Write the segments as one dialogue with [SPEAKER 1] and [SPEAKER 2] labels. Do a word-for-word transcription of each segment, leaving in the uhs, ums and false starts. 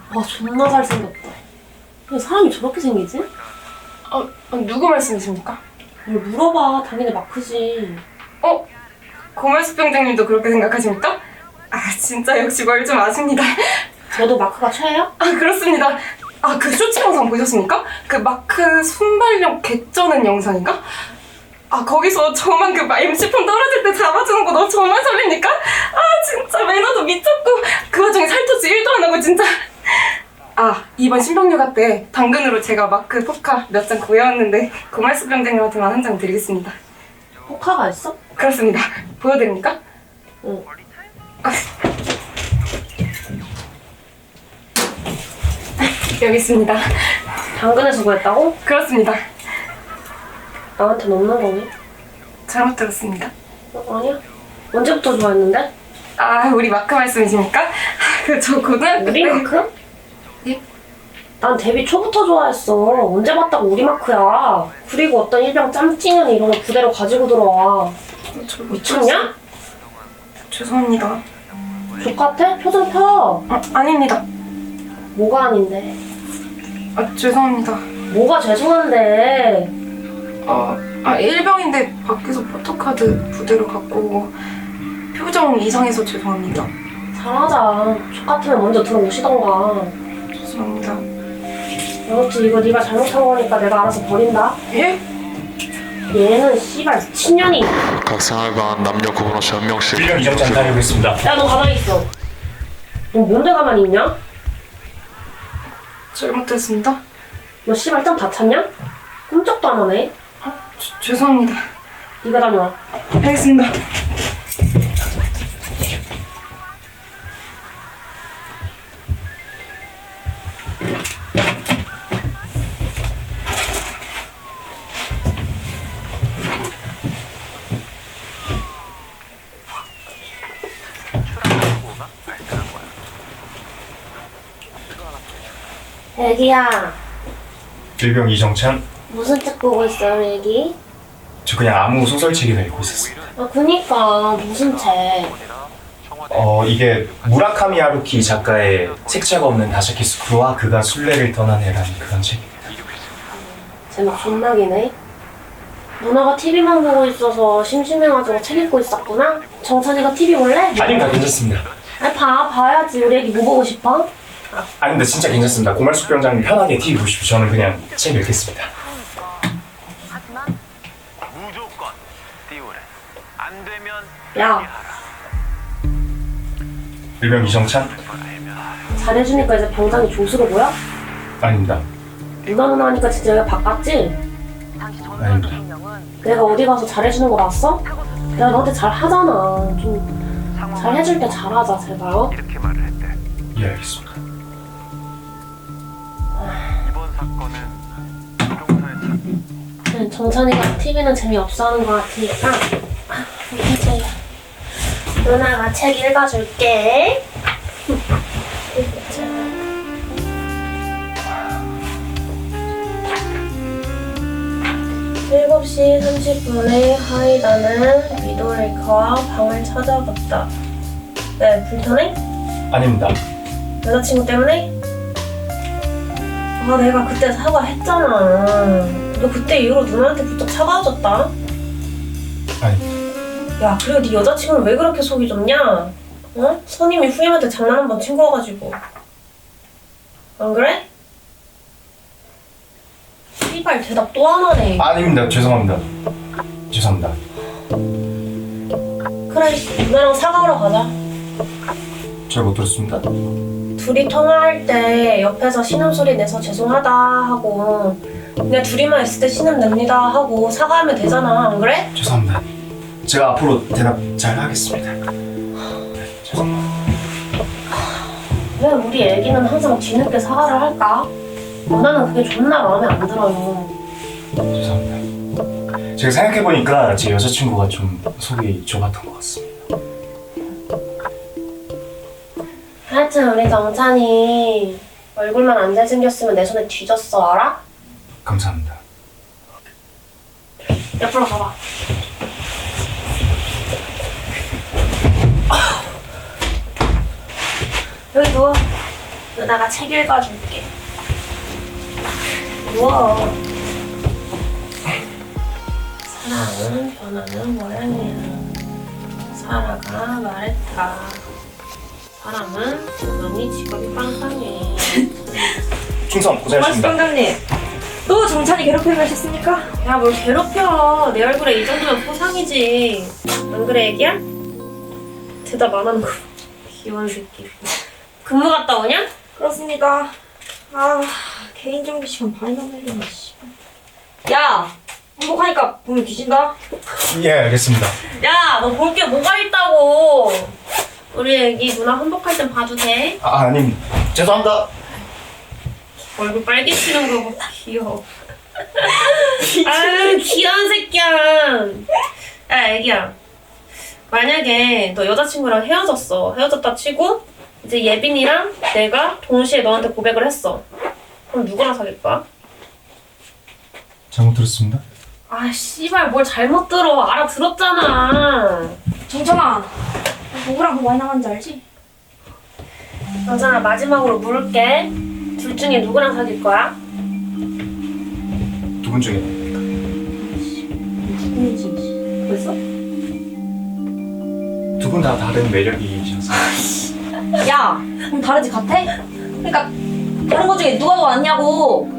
[SPEAKER 1] 와 존나 잘생겼다. 왜 사람이 저렇게 생기지?
[SPEAKER 2] 어, 어, 누구 말씀이십니까?
[SPEAKER 1] 뭘 물어봐. 당연히 마크지.
[SPEAKER 2] 어? 고말숙 병장님도 그렇게 생각하십니까? 아 진짜 역시 뭘 좀 아십니다.
[SPEAKER 1] 너도 마크가 최애야?
[SPEAKER 2] 아 그렇습니다. 아 그 쇼츠 영상 보셨습니까? 그 마크 순발력 개쩌는 영상인가? 아 거기서 저만 그 엠씨폰 떨어질 때 잡아주는 거 너 저만 설립니까? 아 진짜 매너도 미쳤고 그 와중에 살토치 일도 안 하고 진짜. 아 이번 신병휴가 때 당근으로 제가 마크 포카 몇 장 구해왔는데 고말숙 병장님한테만 한 장 드리겠습니다.
[SPEAKER 1] 포카가 있어?
[SPEAKER 2] 그렇습니다. 보여드립니까?
[SPEAKER 1] 응.
[SPEAKER 2] 아. 여기 있습니다.
[SPEAKER 1] 당근에서 구했다고?
[SPEAKER 2] 그렇습니다.
[SPEAKER 1] 나한테는 없는 거니?
[SPEAKER 2] 잘못 들었습니다.
[SPEAKER 1] 어, 아니야. 언제부터 좋아했는데?
[SPEAKER 2] 아 우리 마크 말씀이십니까? 그 저 고등학교
[SPEAKER 1] 우리
[SPEAKER 2] 때
[SPEAKER 1] 마크?
[SPEAKER 2] 예?
[SPEAKER 1] 난 데뷔 초부터 좋아했어. 언제 봤다고 우리 마크야. 그리고 어떤 일병 짬찌는 이런 거 그대로 가지고 들어와.
[SPEAKER 2] 저
[SPEAKER 1] 미쳤냐?
[SPEAKER 2] 죄송합니다.
[SPEAKER 1] 족같아? 표정 펴.
[SPEAKER 2] 아, 아닙니다.
[SPEAKER 1] 뭐가 아닌데?
[SPEAKER 2] 아 죄송합니다.
[SPEAKER 1] 뭐가 죄송한데?
[SPEAKER 2] 아, 아 일병인데 밖에서 포토카드 부대로 갖고 표정 이상해서 죄송합니다.
[SPEAKER 1] 잘하자. 족같으면 먼저 들어오시던가.
[SPEAKER 2] 죄송합니다.
[SPEAKER 1] 아무튼 이거 네가 잘못한 거니까 내가 알아서 버린다.
[SPEAKER 2] 예?
[SPEAKER 1] 얘는 씨발 미친년이.
[SPEAKER 3] 각 생활관 남녀 구분 없이 한 명씩
[SPEAKER 4] 일병 이정장 다녀오겠습니다.
[SPEAKER 1] 야 너 가만히 있어. 너 뭔데 가만히 있냐?
[SPEAKER 2] 잘못했습니다.
[SPEAKER 1] 너 씨발 짱 다 찼냐? 꼼짝도 안 하네.
[SPEAKER 2] 아, 죄- 죄송합니다.
[SPEAKER 1] 네가 다녀와.
[SPEAKER 2] 알겠습니다.
[SPEAKER 1] 애기야
[SPEAKER 4] 일병 이정찬.
[SPEAKER 1] 무슨 책 보고 있어요 애기?
[SPEAKER 4] 저 그냥 아무 소설책이나 읽고 있었습니다.
[SPEAKER 1] 아 그니까 무슨 책?
[SPEAKER 4] 어 이게 무라카미 하루키 작가의 색채가 없는 다샤키스쿠와 그가 순례를 떠난 애라는 그런 책입니다.
[SPEAKER 1] 제목 존나 기네. 누나가 티비만 보고 있어서 심심해가지고 책 읽고 있었구나? 정찬이가 티비 볼래?
[SPEAKER 4] 아닙니다, 괜찮습니다.
[SPEAKER 1] 아니 봐 봐야지. 우리 애기 뭐 보고 싶어?
[SPEAKER 4] 아닙니다, 진짜 괜찮습니다. 고말숙 병장님 편하게 티비 보십시오. 저는 그냥 책 읽겠습니다.
[SPEAKER 5] 무조건 띄우래. 안 되면
[SPEAKER 1] 야
[SPEAKER 4] 일병 이정찬?
[SPEAKER 1] 잘해주니까 이제 병장이 조수로 보여?
[SPEAKER 4] 아닙니다.
[SPEAKER 1] 누나 누나 하니까 진짜 여기가 바꿨지?
[SPEAKER 4] 아닙니다.
[SPEAKER 1] 내가 어디 가서 잘해주는 거 봤어? 내가 너한테 잘하잖아. 좀 잘해줄 때 잘하자 제발. 어?
[SPEAKER 5] 이렇게 말을 했대.
[SPEAKER 4] 예, 알겠습니다.
[SPEAKER 5] 이번 사건은 조종사의 참
[SPEAKER 1] 그냥 정찬이가 티비는 재미없어 하는 거 같으니까 아, 이제 누나가 책 읽어줄게. 일곱 시 삼십 분에 하이다는 미도레이커와 방을 찾아갔다. 네, 불편해?
[SPEAKER 4] 아닙니다.
[SPEAKER 1] 여자친구 때문에? 아, 내가 그때 사과했잖아. 너 그때 이후로 누나한테 부쩍 차가워졌다.
[SPEAKER 4] 아니,
[SPEAKER 1] 야, 그리고 네 여자친구는 왜 그렇게 속이 좁냐? 어? 선임이 후임한테 장난 한 번 친 거가지고. 안 그래? 씨발 대답 또 안 하네.
[SPEAKER 4] 아닙니다. 죄송합니다. 죄송합니다.
[SPEAKER 1] 그래, 누나랑 사과하러 가자.
[SPEAKER 4] 잘 못 들었습니다.
[SPEAKER 1] 둘이 통화할 때 옆에서 신음소리 내서 죄송하다 하고 그냥 둘이만 있을 때 신음 냅니다 하고 사과하면 되잖아. 안 그래?
[SPEAKER 4] 죄송합니다. 제가 앞으로 대답 잘 하겠습니다. 죄송합니다.
[SPEAKER 1] 왜 우리 애기는 항상 뒤늦게 사과를 할까? 누나는 그게 존나 마음에 안 들어요.
[SPEAKER 4] 죄송합니다. 제가 생각해보니까 제 여자친구가 좀 속이 좁았던 것 같습니다.
[SPEAKER 1] 하여튼 우리 정찬이 얼굴만 안 잘생겼으면 내 손에 뒤졌어. 알아?
[SPEAKER 4] 감사합니다.
[SPEAKER 1] 옆으로 가봐. 여기 누워. 누나가 책 읽어줄게. 우와. 사랑은 변하는 모양이야. 사라가 말했다. 사람은 여전히 직업이 빵빵해.
[SPEAKER 4] 충성 고생하셨습니다.
[SPEAKER 6] 고맙습니다. 또 정찬이 괴롭힘을 하셨습니까?
[SPEAKER 1] 야, 뭘 괴롭혀. 내 얼굴에 이 정도면 포상이지. 안 그래, 애기야? 대답 안 하는 거. 귀여운 새끼. 근무 갔다 오냐?
[SPEAKER 6] 그렇습니까? 아, 개인 정비 시간 반이나 걸리네, 씨. 야! 행복하니까 보면 뒤진다?
[SPEAKER 4] 예 알겠습니다.
[SPEAKER 1] 야, 너 볼 게 뭐가 있다고. 우리 애기 누나 환복할 땐 봐도 돼?
[SPEAKER 4] 아 아님 죄송합니다.
[SPEAKER 1] 얼굴 빨개지는 거 봐. 귀여워. 아유, 귀여운 새끼야. 야, 애기야. 만약에 너 여자친구랑 헤어졌어. 헤어졌다 치고 이제 예빈이랑 내가 동시에 너한테 고백을 했어. 그럼 누구랑 사귈 거야?
[SPEAKER 4] 잘못 들었습니다.
[SPEAKER 1] 아, 씨발, 뭘 잘못 들어. 알아들었잖아.
[SPEAKER 6] 정찬아, 누구랑 뭐 많이 나갔는지 알지?
[SPEAKER 1] 여자나 마지막으로 물을게. 둘 중에 누구랑 사귈 거야?
[SPEAKER 4] 두 분 중에
[SPEAKER 6] 누구인지 벌써?
[SPEAKER 4] 두 분 다 다른 매력이셔서.
[SPEAKER 6] 야! 그럼 다르지 같아? 그러니까 다른 것 중에 누가 더 낫냐고!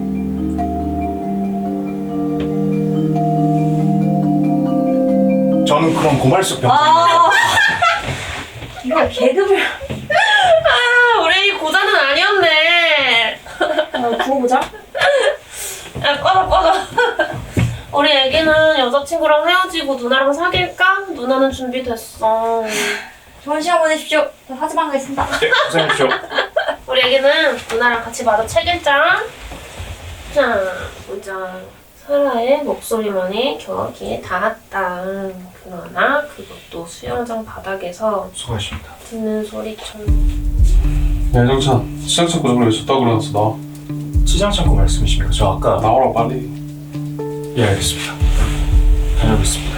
[SPEAKER 4] 저는 그럼 고말숙 병.
[SPEAKER 6] 아! 이거 개그를...
[SPEAKER 1] 아, 우리 애기 고자는 아니었네.
[SPEAKER 6] 아, 부어보자.
[SPEAKER 1] 야, 꺼져, 꺼져. 우리 애기는 여자친구랑 헤어지고 누나랑 사귈까? 누나는 준비됐어.
[SPEAKER 6] 좋은 시간 보내십시오. 저 사지방 가겠습니다.
[SPEAKER 4] 네 고생하십시오.
[SPEAKER 1] 우리 애기는 누나랑 같이 마저 책 읽자. 자, 보자. 사라의 목소리만이 겨우기에 닿았다. 그러나 그것도 수영장 바닥에서
[SPEAKER 4] 수고하십니다.
[SPEAKER 1] 듣는 소리처럼.
[SPEAKER 7] 야 정찬 시장 찾고 저번에 왜 줬다고 그러놨어 나와
[SPEAKER 4] 시장 창고 말씀이십니까? 저 아까
[SPEAKER 7] 나오라고 빨리
[SPEAKER 4] 예 알겠습니다. 다녀오겠습니다.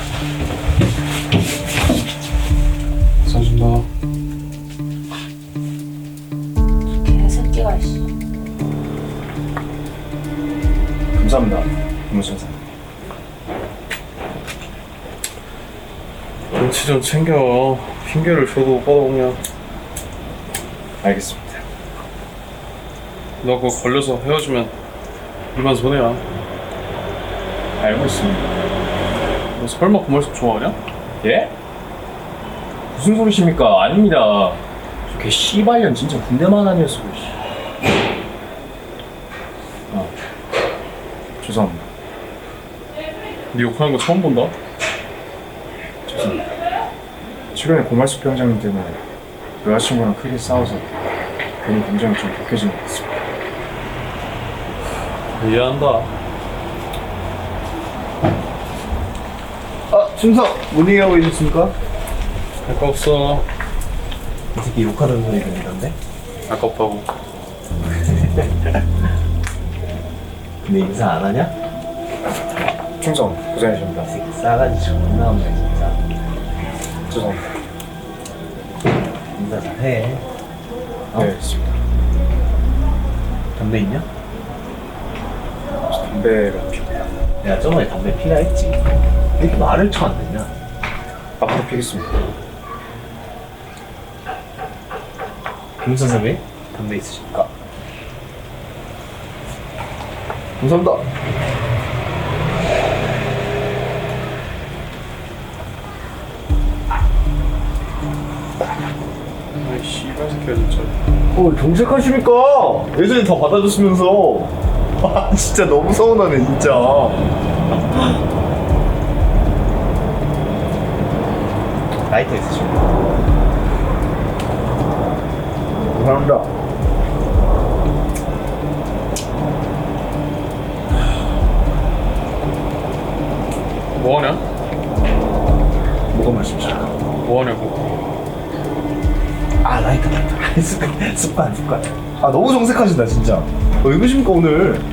[SPEAKER 7] 써준다
[SPEAKER 1] 개새끼가 씨.
[SPEAKER 4] 감사합니다. 김무선사.
[SPEAKER 7] 눈치 좀 챙겨 핑계를 줘도 뻗어오냐
[SPEAKER 4] 알겠습니다.
[SPEAKER 7] 너 그거 걸려서 헤어지면 일반 손해야
[SPEAKER 4] 알고 있습니다.
[SPEAKER 7] 너 설마 고말숙 좋아하냐?
[SPEAKER 4] 예? 무슨 소리십니까? 아닙니다. 저 개 씨발년 진짜 군대만 아니었어. 씨. 아 죄송합니다.
[SPEAKER 7] 네 욕하는 거 처음 본다?
[SPEAKER 4] 죄송합니다. 최근에 고말숙 병장님 때문에 여자친구랑 크게 싸워서 괜히 감정이 좀 격해진 것 같습니다.
[SPEAKER 7] 이해한다
[SPEAKER 8] 아, 충성! 뭔 얘기하고 계셨습니까?
[SPEAKER 7] 할 거 없어
[SPEAKER 8] 이 새끼 욕하는 소리 들리던데?
[SPEAKER 7] 아깝다고
[SPEAKER 8] 근데 인사 안 하냐?
[SPEAKER 4] 충성 고생하십니다.
[SPEAKER 8] 이 새끼 싸가지 존나 없네 진짜.
[SPEAKER 4] 죄송합니다.
[SPEAKER 8] 인사 잘해.
[SPEAKER 4] 네 알겠습니다.
[SPEAKER 8] 담배 있냐?
[SPEAKER 4] 저 담배가 피웁니다.
[SPEAKER 8] 내가 저번에 담배 피라 했지. 왜 이렇게 말을 쳐 안 듣냐?
[SPEAKER 4] 앞으로 피겠습니다.
[SPEAKER 8] 김 선생님 담배 있으십니까? 감사합니다.
[SPEAKER 7] 아이 씨발 새끼야 진짜
[SPEAKER 8] 어, 정색하십니까? 예전에 다 받아줬으면서. 아, 진짜 너무 서운하네, 진짜. 라이터 있으십니까? 감사합니다.
[SPEAKER 7] 뭐하냐?
[SPEAKER 8] 뭐가 말씀이십니까?
[SPEAKER 7] 뭐하냐고
[SPEAKER 8] 아, 라이터, 라이터. 습관, 습관, 습관. 아, 너무 정색하신다, 진짜. 어, 왜 그러십니까, 오늘?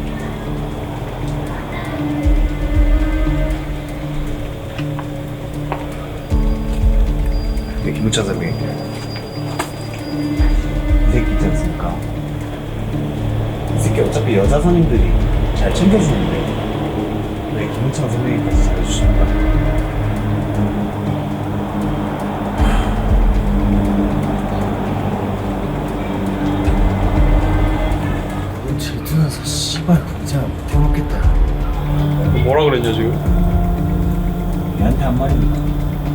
[SPEAKER 8] 네, 김우찬 선배님. 이 새끼 있지 않습니까? 이 새끼 어차피 여자 선임들이 잘 챙겨주는데 왜 김은창 선배님까지 잘해주시는 거야? 이건 질투나서 씨발 공장 못 해먹겠다.
[SPEAKER 7] 너 뭐라 그랬냐 지금?
[SPEAKER 8] 얘한테 한 말이니까.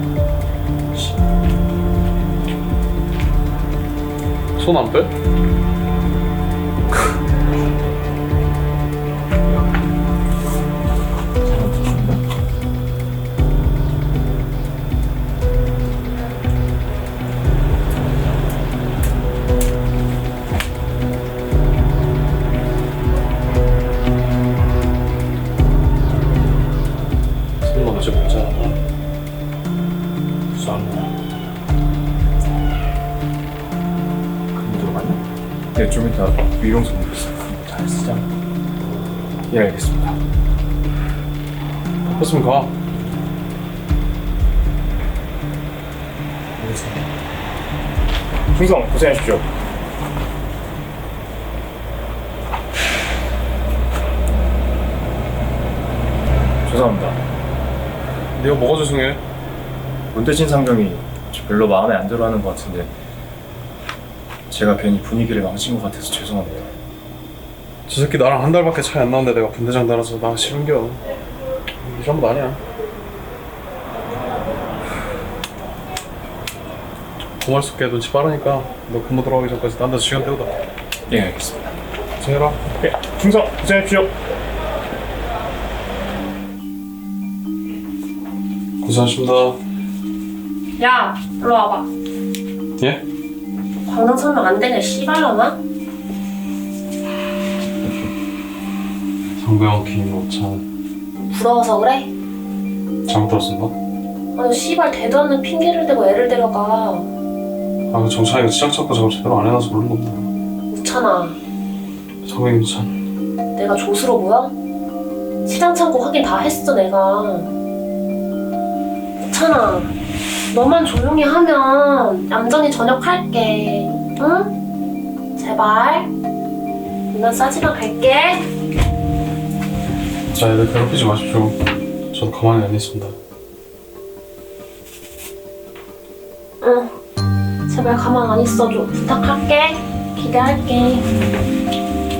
[SPEAKER 7] 손 안 빼? 손 어제 보자.
[SPEAKER 8] 무서운 거야? 그럼 들어갔나?
[SPEAKER 4] 네, 좀 이따 위용성 보겠습니다.
[SPEAKER 8] 잘 쓰자.
[SPEAKER 4] 예, 알겠습니다.
[SPEAKER 7] 바빴으면 가.
[SPEAKER 8] 그래서
[SPEAKER 4] 충성 고생하십시오. 죄송합니다.
[SPEAKER 7] 네가 뭐가 죄송해?
[SPEAKER 4] 문대진 상병이 저 별로 마음에 안 들어하는 것 같은데 제가 괜히 분위기를 망친 것 같아서 죄송합니다.
[SPEAKER 7] 저 새끼 나랑 한 달밖에 차이 안 나는데 내가 분대장 달아서 나 싫은겨. 이 정도 아니야. 고말숙게 눈치 빠르니까 너 근무 들어가기 전까지 딴 데서 시간 때우다.
[SPEAKER 4] 예, 알겠습니다.
[SPEAKER 7] 고생해라.
[SPEAKER 4] 예, 충성 고생하십시오.
[SPEAKER 7] 고생하십니다.
[SPEAKER 1] 야, 일로 와봐.
[SPEAKER 7] 예?
[SPEAKER 1] 광장 설명 안 되냐, 씨발려나?
[SPEAKER 7] 상병 김오찬
[SPEAKER 1] 부러워서 그래?
[SPEAKER 7] 잘못 들었습니다.
[SPEAKER 1] 아니, 씨발 대도 않는 핑계를 대고 애를 데려가.
[SPEAKER 7] 아, 그 정찬이가 시작 잡고 작업 제대로 안 해놔서 그런 겁니다.
[SPEAKER 1] 우찬아,
[SPEAKER 7] 상병 김오찬.
[SPEAKER 1] 내가 조수로 보여? 시장 창고 확인 다 했어, 내가. 우찬아, 너만 조용히 하면 얌전히 전역할게. 응? 제발. 누나 싸지마 갈게.
[SPEAKER 7] 자, 애들 괴롭히지 마십시오. 저도 가만히 안 있습니다.
[SPEAKER 1] 응. 제발 가만 안 있어줘. 부탁할게. 기대할게.